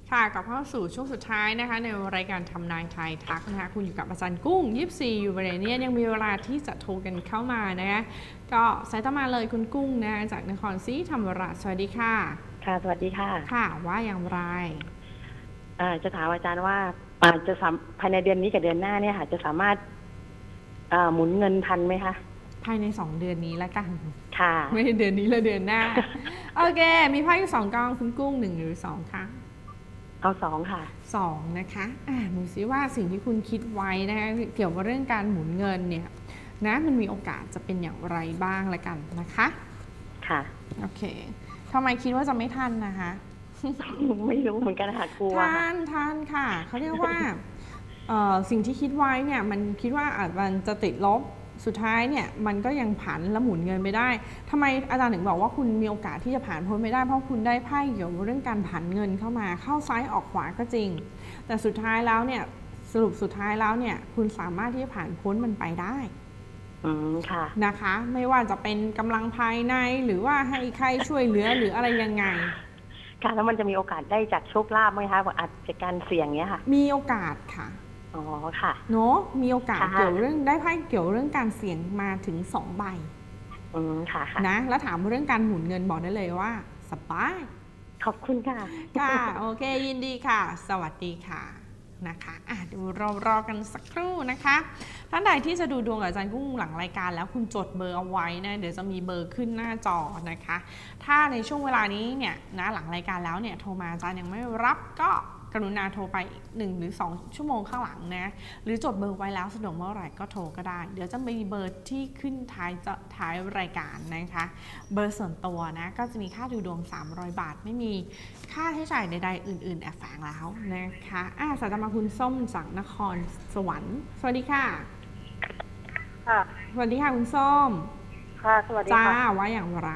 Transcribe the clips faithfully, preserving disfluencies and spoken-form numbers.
ค่ะกลับเข้าสู่ช่วงสุดท้ายนะคะในรายการทำนายทายทักนะคะคุณอยู่กับอาจารย์กุ้งยี่สิบสี่อยู่บริเวณนี้ยังมีเวลาที่จะโทรกันเข้ามานะคะก็สายต่อมาเลยคุณกุ้งนะจากนครศรีธรรมราชสวัสดีค่ะค่ะสวัสดีค่ะค่ะว่าอย่างไรจะถามอาจารย์ว่าจะภายในเดือนนี้กับเดือนหน้าเนี่ยค่ะจะสามารถหมุนเงินทันไหมคะภายในสองเดือนนี้ละกันค่ะไม่ใช่เดือนนี้และเดือนหน้าโอเคมีไพ่สองกองคุณกุ้งหนึ่งหรือสองคะเอาสองค่ะสองนะคะอ่าดูซิว่าสิ่งที่คุณคิดไว้นะคะเกี่ยวกับเรื่องการหมุนเงินเนี่ยนะมันมีโอกาสจะเป็นอย่างไรบ้างละกันนะคะค่ะโอเคทำไมคิดว่าจะไม่ทันนะคะไม่รู้เหมือนกันค่ะกลัวทันทันค่ะเขาเรียกว่าสิ่งที่คิดไว้เนี่ยมันคิดว่าอาจมันจะติดลบสุดท้ายเนี่ยมันก็ยังผันและหมุนเงินไปได้ทำไมอาจารย์ถึงบอกว่าคุณมีโอกาสที่จะผ่านพ้นไปได้เพราะคุณได้ไพ่เกี่ยวกับเรื่องการผันเงินเข้ามาเข้าซ้ายออกขวาก็จริงแต่สุดท้ายแล้วเนี่ยสรุปสุดท้ายแล้วเนี่ยคุณสามารถที่จะผ่านพ้นมันไปได้อืมค่ะนะคะไม่ว่าจะเป็นกำลังภายในหรือว่าให้ใครช่วยเหลือหรืออะไรยังไงค่ะแล้วมันจะมีโอกาสได้จากโชคลาภไหมคะอาจจะการเสี่ยงเนี้ยค่ะมีโอกาสค่ะอ๋อค่ะเนาะมีโอกาสเกี่ยวเรื่องได้ไพ่เกี่ยวเรื่องการเสี่ยงมาถึงสองใบอืมค่ะนะแล้วถามเรื่องการหมุนเงินบอกได้เลยว่าสบายขอบคุณค่ะค่ะโอเคยินดีค่ะสวัสดีค่ะนะคะอ่ะดูรอรอกันสักครู่นะคะท่านใดที่จะดูดวงกับอาจารย์กุ้งหลังรายการแล้วคุณจดเบอร์เอาไว้นะเดี๋ยวจะมีเบอร์ขึ้นหน้าจอนะคะถ้าในช่วงเวลานี้เนี่ยนะหลังรายการแล้วเนี่ยโทรมาอาจารย์ยังไม่รับก็กรุณาโทรไปหนึ่งหรือสองชั่วโมงข้างหลังนะหรือจดเบอร์ไว้แล้วสะดวกเมื่อไหร่ก็โทรก็ได้เดี๋ยวจะมีเบอร์ที่ขึ้นท้ายจะท้ายรายการนะคะเบอร์ส่วนตัวนะก็จะมีค่าดูดวงสามร้อยบาทไม่มีค่าใช้จ่ายใดๆอื่นๆแอบแฝงแล้วนะคะอ่ะสายตามาคุณส้มจากนครสวรรค์สวัสดีค่ะค่ะสวัสดีค่ะคุณส้มค่ะสวัสดีค่ะจ้าว่าอย่างไร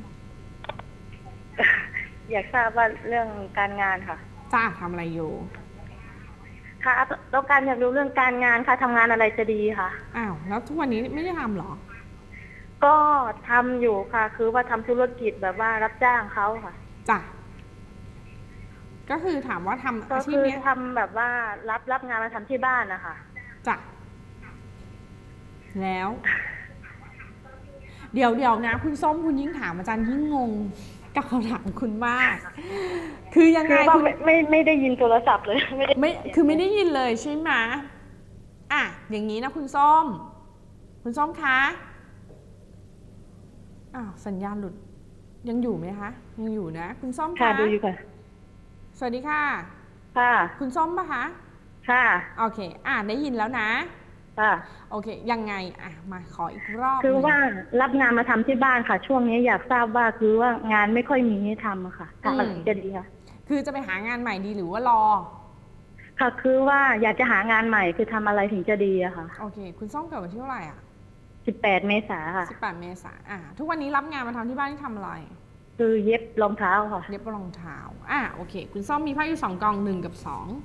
อยากทราบว่าเรื่องการงานค่ะจ้าทำอะไรอยู่ค่ะต้องการอยากรู้เรื่องการงานค่ะทำงานอะไรจะดีค่ะอ้าวแล้วทุกวันนี้ไม่ได้ทำหรอก็ทำอยู่ค่ะคือว่าทำธุรกิจแบบว่ารับจ้างเขาค่ะจ้ะก็คือถามว่าทำอาชีพนี้ทำแบบว่ารับรับงานมาทำที่บ้านนะคะจ้ะแล้ว เดี๋ยวเดี๋ยวนะคุณส้มคุณยิ่งถามอาจารย์ยิ่งงงกับคำถามคุณมากคือยังไงคุณไม่ไม่ได้ยินโทรศัพท์เลยไม่ไม่คือไม่ได้ยินเลยใช่ไหมอ่ะอย่างนี้นะคุณส้มคุณส้มคะอ้าวสัญญาณหลุดยังอยู่ไหมคะยังอยู่นะคุณส้มคะค่ะดูอยู่ค่ะสวัสดีค่ะค่ะคุณส้มปะคะค่ะโอเคอ่ะได้ยินแล้วนะค่ะโอเคยังไงอ่ะมาขออีกรอบคือว่ารับงานมาทำที่บ้านค่ะช่วงนี้อยากทราบว่าคือว่างานไม่ค่อยมีให้ทำค่ะทำอะไรจะดีคะคือจะไปหางานใหม่ดีหรือว่ารอค่ะคือว่าอยากจะหางานใหม่คือทำอะไรถึงจะดีอะค่ะโอเคคุณส้มเกิดวันที่เท่าไหร่อ่ะสิบแปดเมษาค่ะสิบแปดเมษาอ่ะทุกวันนี้รับงานมาทำที่บ้านที่ทำอะไรคือเย็บรองเท้าค่ะเย็บรองเท้าอ่ะโอเคคุณส้มมีไพ่อยู่สองกองหนึ่งกับสอง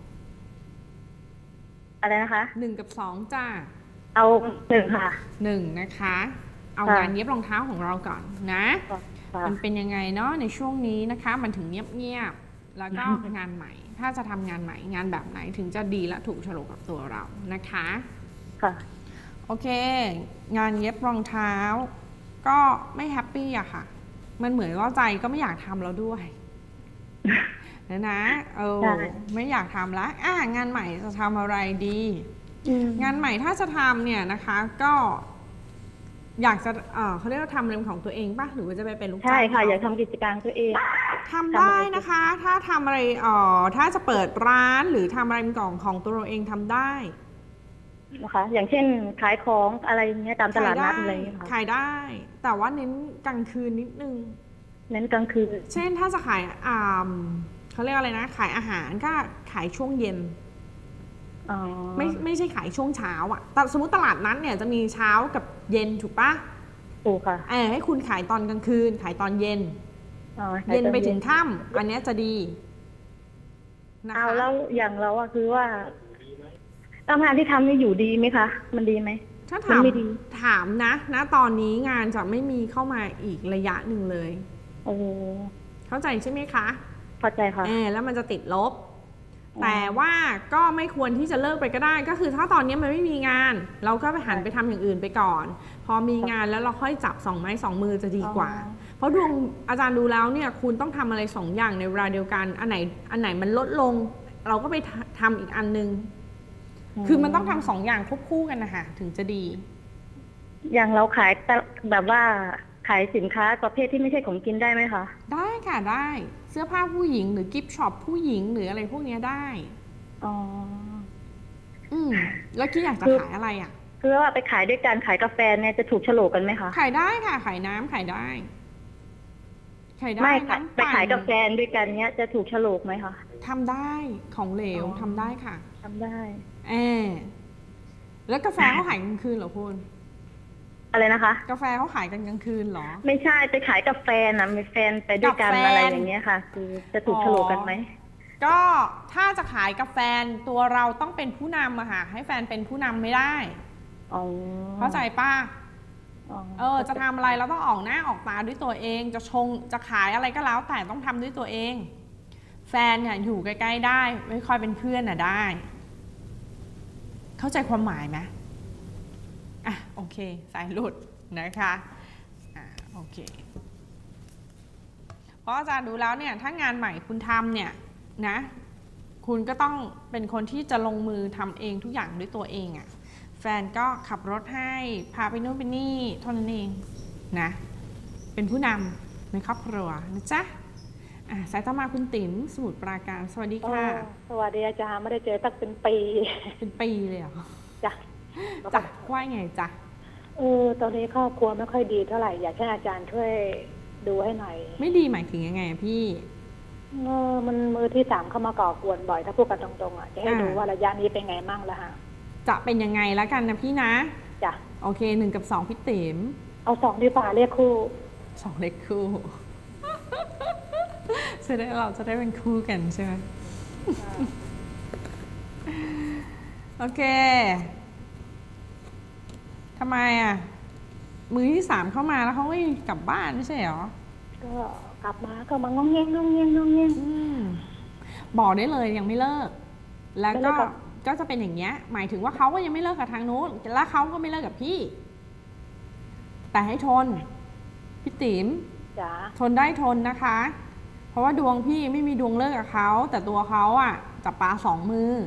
อะไรนะคะหนึ่งกับสองจ้าเอาหนึ่งค่ะหนึ่งนะคะเอางานเย็บรองเท้าของเราก่อนนะมันเป็นยังไงเนาะในช่วงนี้นะคะมันถึงเงียบๆแล้วก็งานใหม่ถ้าจะทำงานใหม่งานแบบไหนถึงจะดีและถูกโฉลกกับตัวเรานะคะค่ะโอเคงานเย็บรองเท้าก็ไม่แฮปปี้อะค่ะมันเหมือนว่าใจก็ไม่อยากทำแล้วด้วยนะนะเออไม่อยากทำแล้วอ่ะงานใหม่จะทำอะไรดีงานใหม่ถ้าจะทำเนี่ยนะคะก็อยากจะเออเขาเรียกว่าทำเรื่องของตัวเองป่ะหรือว่าจะไปเป็นลูกจ้างใช่ค่ะอยากทำกิจการตัวเองทำได้นะคะถ้าทำอะไรเออถ้าจะเปิดร้านหรือทำอะไรเป็นของของตัวเราเองทำได้นะคะอย่างเช่นขายของอะไรเงี้ยตามตลาดนัดอะไรค่ะขายได้แต่ว่าเน้นกลางคืนนิดนึงเน้นกลางคืนเช่นถ้าจะขายอ่าเขาเรียกอะไรนะขายอาหารก็ขายช่วงเย็นไม่ไม่ใช่ขายช่วงเช้าอ่ะแต่สมมติตลาดนั้นเนี่ยจะมีเช้ากับเย็นถูกปะถูกค่ะเออให้คุณขายตอนกลางคืนขายตอนเย็นเย็นไปถึงค่ำอันนี้จะดีนะคะเอาแล้วอย่างเราอะคือว่าทำงานที่ทำนี่อยู่ดีไหมคะมันดีไหมถ้าถามถามนะนะตอนนี้งานจะไม่มีเข้ามาอีกระยะหนึ่งเลยโอ้เข้าใจใช่ไหมคะเข้าใจค่ะเออแล้วมันจะติดลบแต่ว่าก็ไม่ควรที่จะเลิกไปก็ได้ก็คือถ้าตอนนี้มันไม่มีงาน เราก็ไปหันไปทำอย่างอื่นไปก่อน พอมีงานแล้วเราค่อยจับสองไม้สองมือจะดีกว่า เพราะดวงอาจารย์ดูแล้วเนี่ยคุณต้องทำอะไรสองอย่างในเวลาเดียวกันอันไหนอันไหนมันลดลง เราก็ไปทำอีกอันนึงคือมันต้องทำสองอย่างควบคู่กันนะคะถึงจะดีอย่างเราขายแบบว่าขายสินค้าประเภทที่ไม่ใช่ของกินได้ไหมคะได้ค่ะได้เสื้อผ้าผู้หญิงหรือกิฟต์ช็อปผู้หญิงหรืออะไรพวกนี้ได้อ๋ออืมแล้วคิดอยากจะขายอะไรอ่ะคือว่าไปขายด้วยกันขายกาแฟเนี่ยจะถูกโฉลกกันไหมคะขายได้ค่ะขายน้ำขายได้ขายได้ไม่น้ำไปขายกาแฟด้วยกันเนี่ยจะถูกโฉลกไหมคะทำได้ของเหลวอ๋อทำได้ค่ะทำได้เออแล้วกาแฟเขาขายกลางคืนเหรอคุณอะไรนะคะกาแฟเขาขายกันกลางคืนเหรอไม่ใช่ไปขายกับแฟนนะมีแฟนไปด้วยกันกับแฟนอะไรอย่างเงี้ยค่ะ คือจะถูกโฉลกกันไหมก็ถ้าจะขายกับแฟนตัวเราต้องเป็นผู้นำอะค่ะให้แฟนเป็นผู้นำไม่ได้อ๋อเข้าใจป้าอ๋อเออจะทำอะไรเราต้องออกหน้าออกตาด้วยตัวเอง จะชงจะขายอะไรก็แล้วแต่ต้องทำด้วยตัวเอง แฟนเนี่ยอยู่ใกล้ๆได้ไม่ค่อยเป็นเพื่อนน่ะได้ เข้าใจความหมายไหมอ่ะโอเคสายหลุดนะคะอ่ะโอเคเพราะอาจารย์ดูแล้วเนี่ยถ้างานใหม่คุณทำเนี่ยนะคุณก็ต้องเป็นคนที่จะลงมือทำเองทุกอย่างด้วยตัวเองอะ่ะแฟนก็ขับรถให้พาไปโน่นไปนี่เท่านั้นเองนะเป็นผู้นำในครอบครัวนะจ๊ะอ่ะสายต่อมาคุณติ๋มสมุทรปราการสวัสดีค่ะสวัสดีอาจารย์ไม่ได้เจอตั้งเป็นปีเป็นปีเลยเหรอจ้ะจ้ะว่าไงจ๊ะเออตอนนี้ครอบครัวไม่ค่อยดีเท่าไหร่อยากให้อาจารย์ช่วยดูให้หน่อยไม่ดีหมายถึงยังไงอะพี่เออมันมือที่สามเข้ามาก่อกวนบ่อยถ้าพูดกันตรงๆอ่ะจะให้อ่าดูว่าระยะนี้เป็นไงมั่งแล้วฮะจะเป็นยังไงแล้วกันนะพี่นะจ้ะโอเคหนึ่งกับสองพี่ติ๋มเอาสองดีกว่าเรียกคู่สองเล็กคู่ จะได้เราจะได้เป็นคู่กันใช่ไหมโอเคทำไมอ่ะ มือที่สามเข้ามาแล้วเขาไม่กลับบ้านไม่ใช่เหรอก็กลับมาก็มางองแงงงองแงงงองแงงอืมบอกได้เลยยังไม่เลิก แล้วไม่เลิก็กกับก็จะเป็นอย่างเงี้ย หมายถึงว่าเขาก็ยังไม่เลิกกับทางนู้นแล้วเขาก็ไม่เลิกกับพี่ แต่ให้ทนพี่ติ๋มจ้ะทนได้ทนนะคะ เพราะว่าดวงพี่ไม่มีดวงเลิกกับเขาแต่ตัวเขาอ่ะจับปลาสองมือ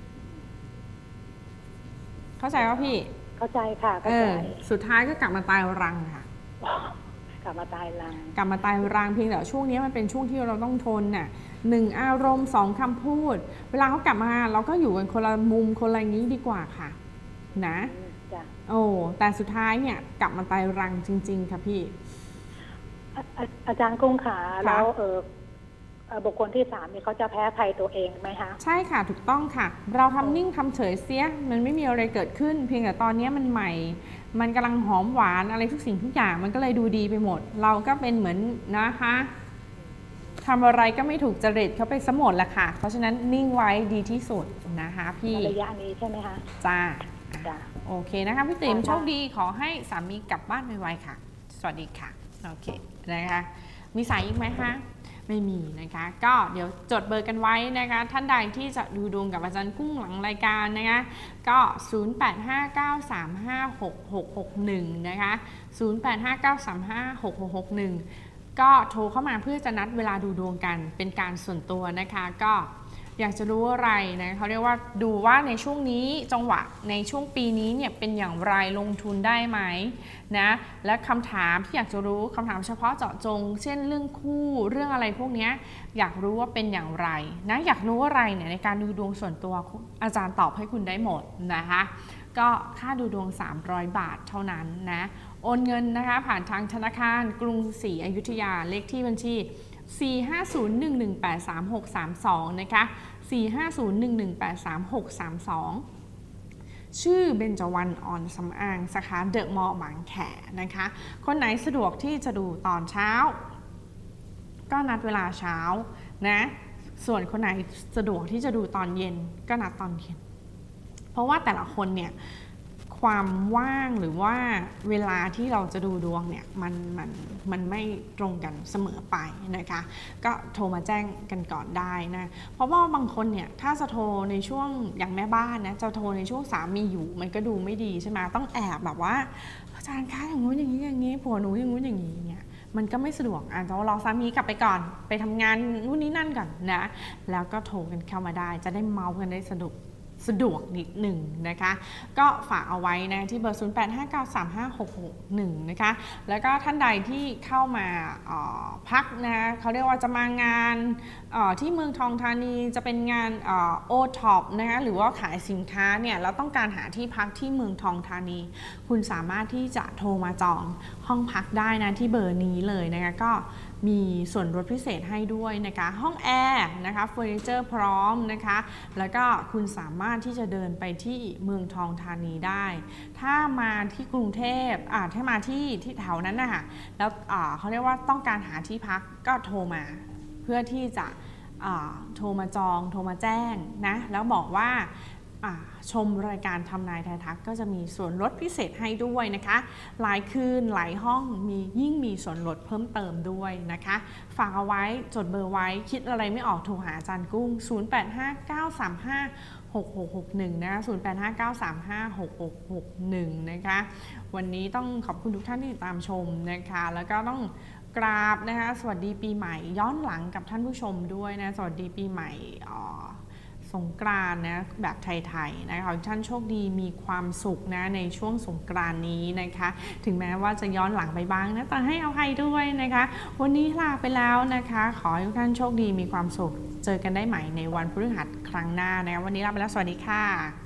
เข้าใจว่าพี่เข้าใจค่ะเอเข้าใจอสุดท้ายก็กลับมาตายรังค่ะกลับมาตายรังกลับมาตายรังเพียงแต่ช่วงนี้มันเป็นช่วงที่เราต้องทนน่ะหนึ่งอารมณ์สองคำพูด เวลาเขากลับมาเราก็อยู่กันคนละมุมคนละอย่างนี้ดีกว่าค่ะ นะจ้ะโอ้แต่สุดท้ายเนี่ยกลับมาตายรังจริง ๆ ค่ะพี่อาอาอาจารย์กุ้งขาแล้วเออเอ่อบุคคลที่สามเนี่ยเขาจะแพ้ภัยตัวเองไหมคะใช่ค่ะถูกต้องค่ะ เราทำนิ่งทำเฉยเสียมันไม่มีอะไรเกิดขึ้น เพียงแต่ตอนนี้มันใหม่ มันกำลังหอมหวานอะไรทุกสิ่งทุกอย่างมันก็เลยดูดีไปหมด เราก็เป็นเหมือนนะคะทำอะไรก็ไม่ถูกจริตเขาไปสมดแหละค่ะ เพราะฉะนั้นนิ่งไว้ดีที่สุดนะคะพี่ในระยะนี้ใช่ไหมคะจ้าจ้ะโอเคนะคะพี่ติ๋มค่ะโชคดีขอให้สามีกลับบ้านไวๆค่ะ สวัสดีค่ะโอเคนะคะมีสายอีกไหมคะไม่มีนะคะก็เดี๋ยวจดเบอร์กันไว้นะคะท่านใดที่จะดูดวงกับอาจารย์กุ้งหลังรายการนะคะก็ ศูนย์ แปด ห้า เก้า สาม ห้า หก หก หก หนึ่ง นะคะ ศูนย์ แปด ห้า เก้า สาม ห้า หก หก หก หนึ่ง ก็โทรเข้ามาเพื่อจะนัดเวลาดูดวงกันเป็นการส่วนตัวนะคะก็อยากจะรู้อะไรนะเขาเรียกว่าดูว่าในช่วงนี้จังหวะในช่วงปีนี้เนี่ยเป็นอย่างไรลงทุนได้ไหมนะและคำถามที่อยากจะรู้คำถามเฉพาะเจาะจง เช่นเรื่องคู่เรื่องอะไรพวกนี้อยากรู้ว่าเป็นอย่างไรนะอยากรู้อะไรเนี่ยในการดูดวงส่วนตัวอาจารย์ตอบให้คุณได้หมดนะคะก็ค่าดูดวงสามร้อยบาทเท่านั้นนะโอนเงินนะคะผ่านทางธนาคารกรุงศรีอยุธยาเลขที่บัญชี สี่ ห้า ศูนย์ หนึ่ง หนึ่ง แปด สาม หก สาม สอง นะคะ สี่ ห้า ศูนย์ หนึ่ง หนึ่ง แปด สาม หก สาม สอง ชื่อเบญจวรรณอ่อนสำอางสาขาเดอะมอลล์บางแขนะคะ คนไหนสะดวกที่จะดูตอนเช้า ก็นัดเวลาเช้านะ ส่วนคนไหนสะดวกที่จะดูตอนเย็นก็นัดตอนเย็น เพราะว่าแต่ละคนเนี่ยความว่างหรือว่าเวลาที่เราจะดูดวงเนี่ยมันมันมันไม่ตรงกันเสมอไปนะคะก็โทรมาแจ้งกันก่อนได้นะเพราะว่าบางคนเนี่ยถ้าจะโทรในช่วงอย่างแม่บ้านนะจะโทรในช่วงสามีอยู่มันก็ดูไม่ดีใช่ไหมต้องแอบแบบว่าอาจารย์คะอย่างงู้นอย่างนี้อย่างนี้ผัวหนูอย่างงู้นอย่างนี้เนี่ยมันก็ไม่สะดวกอาจจะรอสามีกลับไปก่อนไปทำงานนู่นนี่นั่นก่อนนะแล้วก็โทรกันเข้ามาได้จะได้เมาส์กันได้สะดวกสะดวกนิดหนึ่งนะคะก็ฝากเอาไว้นะที่เบอร์ ศูนย์ แปด ห้า เก้า สาม ห้า หก หก หนึ่ง นะคะแล้วก็ท่านใดที่เข้ามาพักนะเขาเรียกว่าจะมางานที่เมืองทองธานีจะเป็นงานโอท็อปนะคะหรือว่าขายสินค้าเนี่ยเราต้องการหาที่พักที่เมืองทองธานีคุณสามารถที่จะโทรมาจองห้องพักได้นะที่เบอร์นี้เลยนะคะก็มีส่วนลดพิเศษให้ด้วยนะคะห้องแอร์นะคะเฟอร์นิเจอร์พร้อมนะคะแล้วก็คุณสามารถที่จะเดินไปที่เมืองทองธานีได้ถ้ามาที่กรุงเทพอ่าถ้ามาที่ที่แถวนั้นนะคะแล้วอ่าเขาเรียกว่าต้องการหาที่พักก็โทรมาเพื่อที่จะโทรมาจองโทรมาแจ้งนะแล้วบอกว่าชมรายการทำนายทายทักก็จะมีส่วนลดพิเศษให้ด้วยนะคะหลายคืนหลายห้องมียิ่งมีส่วนลดเพิ่มเติมด้วยนะคะฝากเอาไว้จดเบอร์ไว้คิดอะไรไม่ออกโทรหาอาจารย์กุ้ง ศูนย์ แปด ห้า เก้า สาม ห้า หก หก หก หนึ่ง นะคะ ศูนย์ แปด ห้า เก้า สาม ห้า หก หก หก หนึ่ง นะคะวันนี้ต้องขอบคุณทุกท่านที่ติดตามชมนะคะแล้วก็ต้องกราบนะคะสวัสดีปีใหม่ย้อนหลังกับท่านผู้ชมด้วยนะสวัสดีปีใหม่สงกรานต์นะแบบไทยๆนะคะขอให้ท่านโชคดีมีความสุขนะในช่วงสงกรานต์นี้นะคะถึงแม้ว่าจะย้อนหลังไปบ้างนะแต่ให้อภัยด้วยนะคะวันนี้ลาไปแล้วนะคะขอให้ทุกท่านโชคดีมีความสุขเจอกันได้ใหม่ในวันพฤหัสครั้งหน้านะคะวันนี้ลาไปแล้วสวัสดีค่ะ